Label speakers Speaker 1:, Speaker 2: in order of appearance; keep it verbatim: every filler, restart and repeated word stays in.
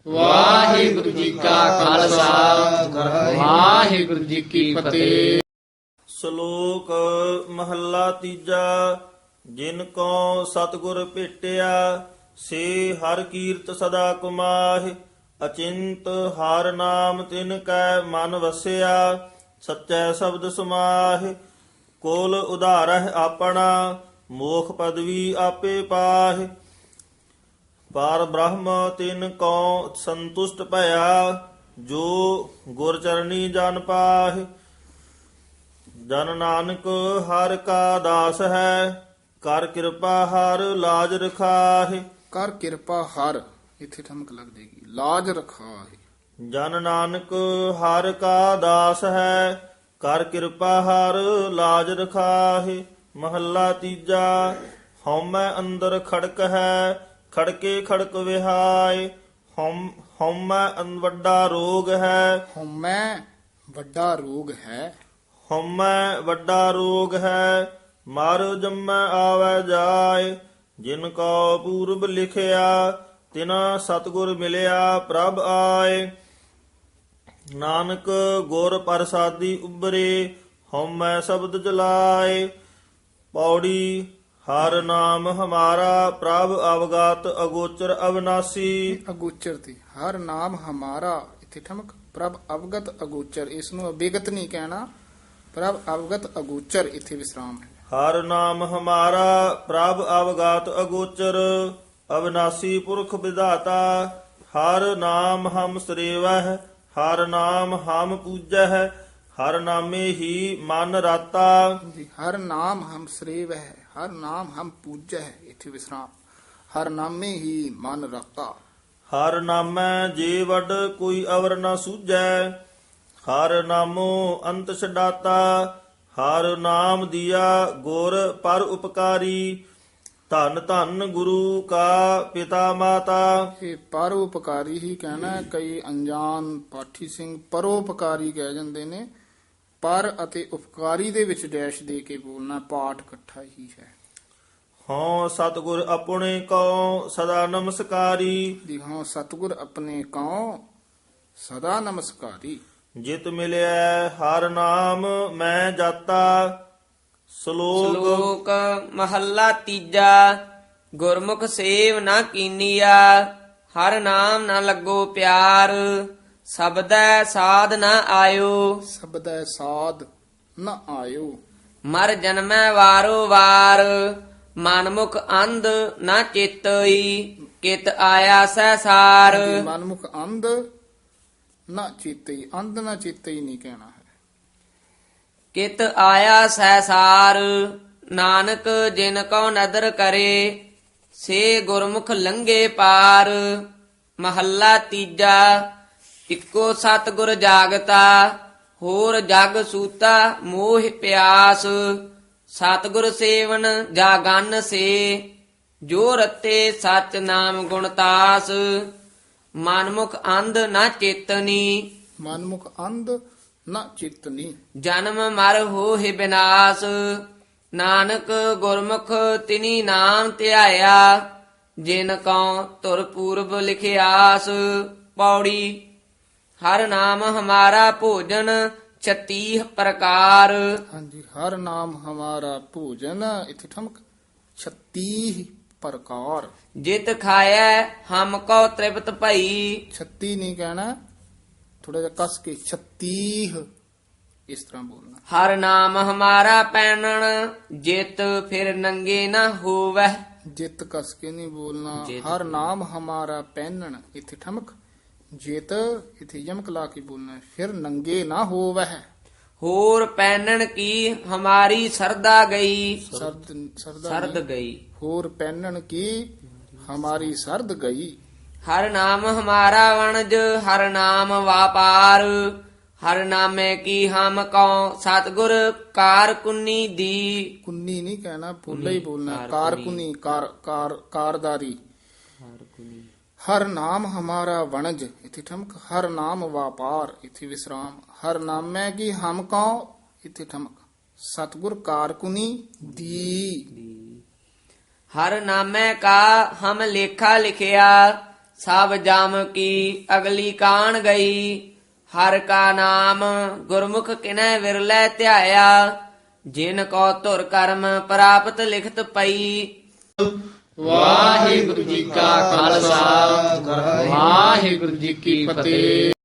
Speaker 1: ਵਾਹਿਗੁਰੂ ਜੀ ਕਾ ਖਾਲਸਾ ਵਾਹਿਗੁਰੂ ਜੀ ਕੀ ਫਤਿਹ।
Speaker 2: ਸ਼ਲੋਕ ਮਹੱਲਾ ਤੀਜਾ। ਜਿਨ ਕੋ ਸਤਿਗੁਰ ਭੇਟਿਆ ਸੇ ਹਰ ਕੀਰਤ ਸਦਾ ਕੁਮਾਹਿ। ਅਚਿੰਤ ਹਰ ਨਾਮ ਤਿਨ ਕੈ ਮਨ ਵਸਿਆ ਸਚੈ ਸ਼ਬਦ ਸਮਾਹਿ। ਕੋਲ ਉਧਾਰਹਿ ਆਪਣਾ ਮੋਖ ਪਦਵੀ ਆਪੇ ਪਾਹਿ। ਪਾਰ ਬ੍ਰਹਮ ਤਿਨ ਕੋ ਸੰਤੁਸ਼ਟ ਭਇਆ ਜੋ ਗੁਰ ਚਰਣੀ ਜਨ ਪਾਹਿ। ਜਨ ਨਾਨਕ ਹਰ ਕਾ ਦਾਸ ਹੈ ਕਰ ਕਿਰਪਾ ਹਰ ਲਾਜ ਰਖਾਹਿ।
Speaker 3: ਕਰ ਕਿਰਪਾ ਹਰ ਇੱਥੇ ਠਮਕ ਲੱਗ ਜਾਏਗੀ, ਲਾਜ ਰਖਾਹਿ।
Speaker 2: ਜਨ ਨਾਨਕ ਹਰ ਕਾ ਦਾਸ ਹੈ ਕਰ ਕਿਰਪਾ ਹਰ ਲਾਜ ਰਖਾਹਿ। ਮਹੱਲਾ ਤੀਜਾ। ਹਉਮੈ ਅੰਦਰ ਖੜਕ ਹੈ ਖੜਕੇ ਖੜਕ ਵਿਹਾਏ। ਹਉਮ ਹਉਮੈ ਅੰ- ਵੱਡਾ ਰੋਗ ਹੈ।
Speaker 3: ਹਉਮੈ ਵੱਡਾ ਰੋਗ ਹੈ।
Speaker 2: ਹਉਮੈ ਵੱਡਾ ਰੋਗ ਹੈ ਮਰ ਜੰਮੈ ਆਵੈ ਜਾਏ। ਜਿਨ ਕੋ ਪੂਰਬ ਲਿਖਿਆ ਤਿਨਾ ਸਤਿਗੁਰ ਮਿਲਿਆ ਪ੍ਰਭ ਆਏ। ਨਾਨਕ ਗੁਰ ਪ੍ਰਸਾਦੀ ਉਬਰੇ ਹਉਮੈ ਸ਼ਬਦ ਜਲਾਏ। ਪੌੜੀ ਹਰ ਨਾਮ ਹਮਾਰਾ ਪ੍ਰਭ ਅਵਗਤ ਅਗੋਚਰ ਅਵਨਾਸੀ।
Speaker 3: ਅਗੋਚਰ ਤੇ ਹਰ ਨਾਮ ਹਮਾਰਾ ਇੱਥੇ ਠਮਕ ਪ੍ਰਭ ਅਵਗਤ ਅਗੋਚਰ, ਇਸ ਨੂੰ ਅਬੇਗਤ ਨਹੀਂ ਕਹਿਣਾ, ਪ੍ਰਭ ਅਵਗਤ ਅਗੋਚਰ ਇੱਥੇ ਵਿਸਰਾਮ ਹੈ।
Speaker 2: ਹਰ ਨਾਮ ਹਮਾਰਾ ਪ੍ਰਭ ਅਵਗਤ ਅਗੋਚਰ ਅਵਨਾਸੀ ਪੁਰਖ ਵਿਧਾਤਾ। ਹਰ ਨਾਮ ਹਮ ਸਰੇਵਹਿ ਹਰ ਨਾਮ ਹਮ ਪੂਜਹਿ ਹਰ ਨਾਮੇ ਹੀ ਮਨ ਰਾਤਾ।
Speaker 3: ਜੀ, ਹਰ ਨਾਮ ਹਮ ਸਰੇਵ ਹੈ ਹਰ ਨਾਮ ਹਮ ਪੂਜੈ ਹੈ ਇੱਥੇ ਵਿਸਰਾਮ। ਹਰ ਨਾਮੇ ਹੀ ਮਨ ਰਤਾ।
Speaker 2: ਹਰ ਨਾਮੈ ਜੇ ਵਡ ਕੋਈ ਅਵਰ ਨ ਸੂਝੈ ਹਰ ਨਾਮੋ ਅੰਤ ਛਡਾਤਾ। ਹਰ ਨਾਮ ਦੀਆ ਗੁਰ ਪਰ ਉਪਕਾਰੀ ਧੰਨ ਧੰਨ ਗੁਰੂ ਕਾ ਪਿਤਾ ਮਾਤਾ।
Speaker 3: ਇਹ ਪਰਉਪਕਾਰੀ ਹੀ ਕਹਿਣਾ ਹੈ। ਕਈ ਅਣਜਾਣ ਪਾਠੀ ਸਿੰਘ ਪਰਉਪਕਾਰੀ ਕਹਿ ਜਾਂਦੇ ਨੇ। ਪਰ ਅਤੇ ਉਪਕਾਰੀ ਦੇ ਵਿੱਚ ਡੈਸ਼ ਦੇ ਕੇ ਬੋਲਣਾ, ਪਾਠ ਇਕੱਠਾ ਹੀ ਹੈ।
Speaker 2: ਹਉ ਸਤਿਗੁਰ ਆਪਣੇ ਕੋ ਸਦਾ ਨਮਸਕਾਰੀ।
Speaker 3: ਦਿਖਾਓ ਸਤਿਗੁਰ ਆਪਣੇ ਕਉ ਸਦਾ ਨਮਸਕਾਰੀ।
Speaker 2: ਜਿਤ ਮਿਲਿਆ ਹਰ ਨਾਮ ਮੈਂ ਜਾਤਾ। ਸ਼ਲੋਕ
Speaker 4: ਸ਼ਲੋਕ ਮਹੱਲਾ ਤੀਜਾ। ਗੁਰਮੁਖ ਸੇਵ ਨਾ ਕੀਨੀਆ ਹਰ ਨਾਮ ਨਾ ਲੱਗੋ ਪਿਆਰ। ਸਬਦੈ ਸਾਧ ਨਾ ਆਇਓ
Speaker 3: ਸਬਦੈ ਸਾਧ ਨ ਆਇਓ।
Speaker 4: ਮਰ ਜਨਮੈ ਵਾਰੋ ਵਾਰ। ਮਨਮੁਖ ਅੰਧ ਨਾ ਚੇਤਈ ਕਿਤ ਆਇਆ ਸਹਿਸਾਰ।
Speaker 3: ਮਨਮੁਖ ਅੰਧ ਨਾ ਚੇਤਈ, ਅੰਧ ਨਾ ਚੇਤਈ ਨਹੀਂ ਕਹਿਣਾ ਹੈ।
Speaker 4: ਕਿਤ ਆਇਆ ਸਹਿਸਾਰ। ਨਾਨਕ ਜਿਨ ਕਉ ਨਦਰ ਕਰੇ ਸੇ ਗੁਰਮੁਖ ਲੰਘੇ ਪਾਰ। ਮਹੱਲਾ ਤੀਜਾ। ਇੱਕੋ ਸਤਿਗੁਰ ਜਾਗਤਾ ਹੋਰ ਜਗ ਸੂਤਾ ਮੋਹ ਪਿਆਸ। ਸਤਿਗੁਰ ਸੇਵਨ ਜਾਗਨ ਸੇ ਜੋ ਰਤੇ ਸਚ ਨਾਮ ਗੁਣ ਤਾਸ। ਮਨਮੁਖ ਅੰਧ ਨਾ ਚੇਤਨੀ
Speaker 3: ਮਨਮੁਖ ਅੰਧ ਨਾ ਚੇਤਨੀ।
Speaker 4: ਜਨਮ ਮਰ ਹੋਹਿ ਬਿਨਾਸ਼। ਨਾਨਕ ਗੁਰਮੁਖ ਤਿਨੀ ਨਾਮ ਧਿਆਇਆ ਜਿਨ ਕਉ ਤੁਰ ਪੂਰਬ ਲਿਖਿਆਸ। ਪੌੜੀ ਹਰ ਨਾਮ ਹਮਾਰਾ ਭੋਜਨ ਛਤੀਹ ਪ੍ਰਕਾਰ।
Speaker 3: ਹਾਂਜੀ, ਹਰ ਨਾਮ ਹਮਾਰਾ ਭੋਜਨ ਇੱਥੇ ਠਮਕ ਛੱਤੀ ਪ੍ਰਕਾਰ।
Speaker 4: ਜਿਤ ਖਾਇਐ ਹਮ ਕੋ ਤ੍ਰਿਪਤ ਭਈ।
Speaker 3: ਛੱਤੀ ਨਹੀਂ ਕਹਿਣਾ, ਥੋੜਾ ਜਿਹਾ ਕਸ ਕੇ ਛੱਤੀਹ ਇਸ ਤਰ੍ਹਾਂ ਬੋਲਣਾ।
Speaker 4: ਹਰ ਨਾਮ ਹਮਾਰਾ ਪੈਣਨ ਜਿਤ ਫਿਰ ਨੰਗੇ ਨਾ ਹੋਵੈ।
Speaker 3: ਜਿਤ ਕਸ ਕੇ ਨਹੀਂ ਬੋਲਣਾ।
Speaker 4: ਜਿਤ।
Speaker 3: ਹਰ ਨਾਮ ਹਮਾਰਾ ਪਹਿਨਣ ਇੱਥੇ ਠਮਕ ਜਿਤ ਇੱਥੇ ਯਮਕ ਲਾ ਕੇ ਬੋਲਣਾ। ਫਿਰ ਨੰਗੇ ਨਾ ਹੋਵਹਿ।
Speaker 4: ਹੋਰ ਪੈਣਨ ਕੀ ਹਮਾਰੀ ਸਰਦਾ ਗਈ।
Speaker 3: ਸਰਦ ਸਰਦਾ
Speaker 4: ਸਰਦ
Speaker 3: ਨਹੀਂ।
Speaker 4: ਗਈ।
Speaker 3: ਹੋਰ ਪਹਿਨਣ ਕੀ ਹਮਾਰੀ ਸਰਦ ਗਈ।
Speaker 4: ਹਰ ਨਾਮ ਹਮਾਰਾ ਵਣਜ ਹਰ ਨਾਮ ਵਾਪਾਰ। ਹਰ ਨਾਮੇ ਕੀ ਹਮ ਕਉ ਸਤਿਗੁਰ ਕਾਰ ਕੁੰਨੀ ਦੀ।
Speaker 3: ਕੁੰਨੀ ਨਹੀਂ ਕਹਿਣਾ, ਪੋਲਾ ਹੀ ਬੋਲਣਾ।
Speaker 4: ਕਾਰ
Speaker 3: ਕਾਰ
Speaker 4: ਕੁੰਨੀ।
Speaker 3: ਕੁੰਨੀ ਕਾਰ ਕਾਰ ਕਾਰਦਾਰੀ। ਹਰ ਨਾਮ ਹਮਾਰਾ ਵਣਜ ਇੱਥੇ ਠਮਕ। ਹਰ ਨਾਮ ਵਾਪਾਰ ਇੱਥੇ ਵਿਸਰਾਮ। ਹਰ ਨਾਮੈ ਕੀ ਹਮ ਕਉ ਇੱਥੇ ਠਮਕ। ਸਤਿਗੁਰ ਕਾਰਕੁਨੀ ਦੀ।
Speaker 4: ਹਰ ਨਾਮੈ ਕਾ ਹਮ ਲੇਖਾ ਲਿਖਿਆ ਸਭ ਜਮ ਕੀ ਅਗਲੀ ਕਾਣ ਗਈ। ਹਰ ਕਾ ਨਾਮ ਗੁਰਮੁਖ ਕਿਨੈ ਵਿਰਲੇ ਧਿਆਇਆ। ਜਿਨ ਕੋ ਧੁਰ ਕਰਮ ਪ੍ਰਾਪਤ ਲਿਖਤ ਪਈ।
Speaker 1: ਵਾਹਿਗੁਰੂ ਜੀ ਕਾ ਖਾਲਸਾ ਵਾਹਿਗੁਰੂ ਜੀ ਕੀ ਫਤਿਹ।